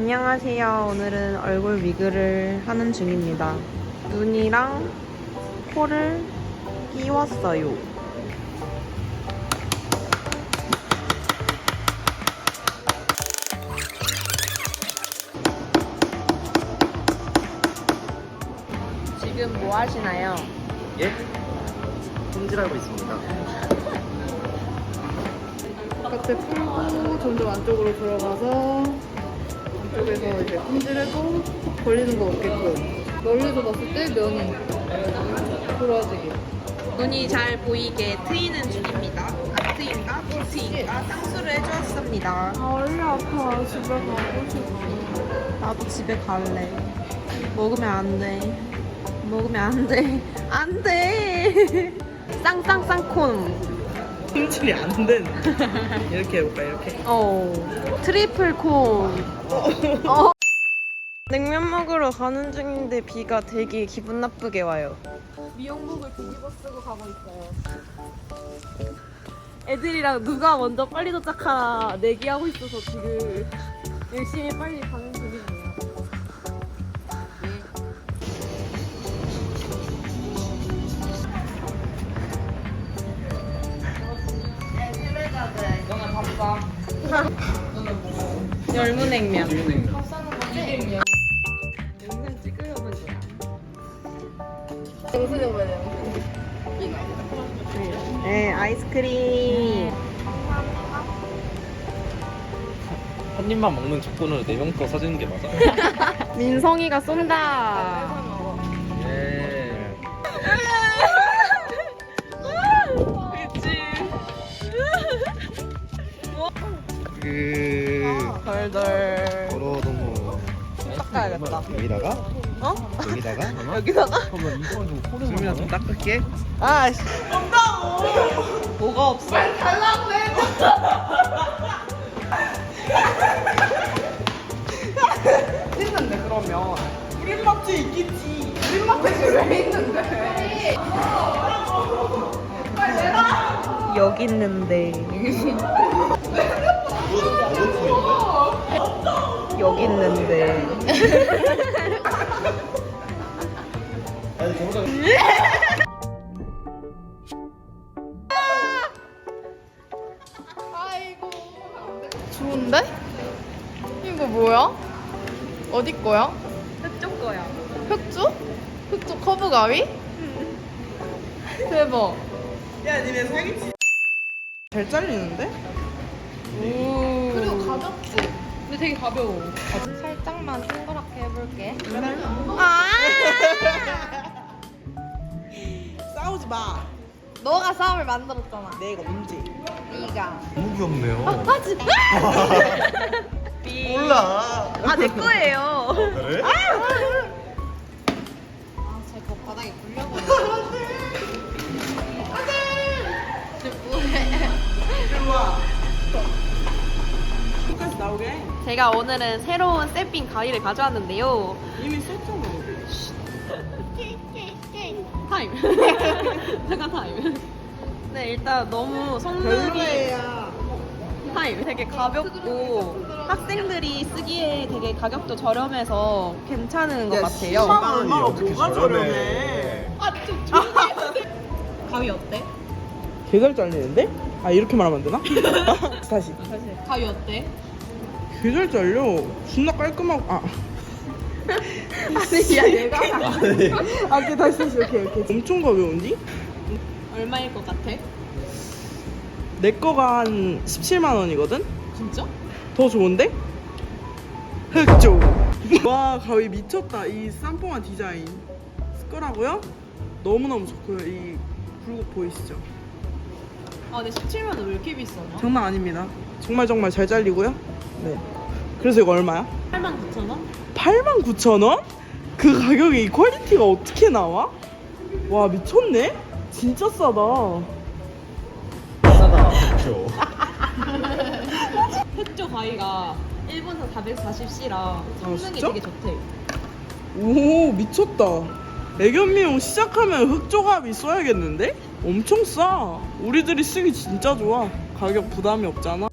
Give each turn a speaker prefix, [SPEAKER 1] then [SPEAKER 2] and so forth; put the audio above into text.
[SPEAKER 1] 안녕하세요. 오늘은 얼굴 위그를 하는 중입니다. 눈이랑 코를 끼웠어요. 지금 뭐 하시나요?
[SPEAKER 2] 예? 손질하고 있습니다.
[SPEAKER 3] 겉에 풀고 점점 안쪽으로 들어가서 안쪽에서 이제 품질해도 걸리는 거 없게끔 멀리서 봤을 때 면이 돌아지게.
[SPEAKER 1] 눈이 잘 보이게 트이는 중입니다. 아트인가 비트인가 쌍수를 해주었습니다.
[SPEAKER 3] 아 원래 아파. 집에 가고 싶어.
[SPEAKER 1] 나도 집에 갈래. 먹으면 안 돼. 먹으면 안 돼. 안 돼. 쌍쌍쌍콘.
[SPEAKER 2] 손질이 안 되는. 이렇게 해볼까, 이렇게?
[SPEAKER 1] 트리플 콘. 냉면 먹으러 가는 중인데 비가 되게 기분 나쁘게 와요.
[SPEAKER 3] 미용복을 뒤집어 쓰고 가고 있어요.
[SPEAKER 1] 애들이랑 누가 먼저 빨리 도착하나 내기하고 있어서 지금 열심히 빨리 가는 중이에요.
[SPEAKER 3] 너는 바빠.
[SPEAKER 1] 열무냉면.
[SPEAKER 2] 비빔냉면.
[SPEAKER 1] 영상 찍으려는 거야.
[SPEAKER 3] 영수증 뭐냐?
[SPEAKER 1] 네, 아이스크림.
[SPEAKER 2] 한 입만 먹는 조건으로 4명 거 사주는 게 맞아?
[SPEAKER 1] 민성이가 쏜다.
[SPEAKER 2] 예.
[SPEAKER 1] 덜덜.
[SPEAKER 4] 너무
[SPEAKER 1] 닦아야겠다.
[SPEAKER 4] 여기다가
[SPEAKER 1] 어?
[SPEAKER 4] 여기다가
[SPEAKER 1] 여기다가?
[SPEAKER 2] 수민아 좀 닦을게.
[SPEAKER 1] 아씨. 온다고. 뭐가 없어? 빨리 달라고 해.
[SPEAKER 3] 있는데 그러면 우리 맛집 있겠지. 우리 맛집이 왜 있는데? 빨리 내놔.
[SPEAKER 1] 여기 있는데. 여기 있는데.
[SPEAKER 3] 아이고. 좋은데? 이거 뭐야? 어디 거야?
[SPEAKER 1] 그쪽 거야.
[SPEAKER 3] 흑주? 흑주 커브 가위? 대박.
[SPEAKER 1] 야, 니네 사기치.
[SPEAKER 3] 잘 잘리는데? 오. 그리고 가볍지? 근데 되게 가벼워. 살짝만 동그랗게 해볼게.
[SPEAKER 1] 아!
[SPEAKER 5] 싸우지 마.
[SPEAKER 3] 너가 싸움을 만들었잖아.
[SPEAKER 5] 내가 문제.
[SPEAKER 3] 네가.
[SPEAKER 4] 너무 귀엽네요.
[SPEAKER 3] 하지.
[SPEAKER 4] 몰라.
[SPEAKER 1] 아, 내 거예요.
[SPEAKER 4] 그래?
[SPEAKER 3] 쟤거 바닥에 굴려버려.
[SPEAKER 5] 끝까지 나오게.
[SPEAKER 1] 제가 오늘은 새로운 쌤빙 가위를 가져왔는데요.
[SPEAKER 5] 이미 썼잖아.
[SPEAKER 1] 타임. 잠깐 타임. 네, 일단 너무 성능이
[SPEAKER 5] 별로야.
[SPEAKER 1] 타임. 되게 가볍고 학생들이 쓰기에 되게 가격도 저렴해서 괜찮은 것 같아요.
[SPEAKER 5] 10만 얼마나
[SPEAKER 4] 어떻게
[SPEAKER 5] 뭐가 저렴해.
[SPEAKER 1] 가위 어때?
[SPEAKER 5] 개잘 잘리는데? 아 이렇게 말하면 안 되나? 다시.
[SPEAKER 3] 가위 어때?
[SPEAKER 5] 개잘 잘려. 존나 깔끔하고. 아.
[SPEAKER 1] 아니, 야, 얘가
[SPEAKER 5] 아, 오케이 다시. 오케이. 엄청 가벼운디?
[SPEAKER 1] 얼마일 것 같아?
[SPEAKER 5] 내 거가 한 17만 원이거든?
[SPEAKER 1] 진짜?
[SPEAKER 5] 더 좋은데? 흑조. 와 가위 미쳤다. 이 쌈뽕한 디자인. 쓸 거라고요? 너무너무 좋고요. 이 굴곡 보이시죠?
[SPEAKER 1] 아, 근데 17만 원 왜 이렇게 비싸나?
[SPEAKER 5] 장난 아닙니다. 정말 잘 잘리고요. 네. 그래서 이거 얼마야?
[SPEAKER 1] 89,000원?
[SPEAKER 5] 89,000원? 그 가격에 이 퀄리티가 어떻게 나와? 와 미쳤네? 진짜 싸다.
[SPEAKER 4] 싸다. 그렇죠.
[SPEAKER 1] 흑조 가위가 일본산 440C라 성능이
[SPEAKER 5] 진짜?
[SPEAKER 1] 되게 좋대.
[SPEAKER 5] 오 미쳤다. 애견 미용 시작하면 흑조갑이 써야겠는데? 엄청 싸. 우리들이 쓰기 진짜 좋아. 가격 부담이 없잖아.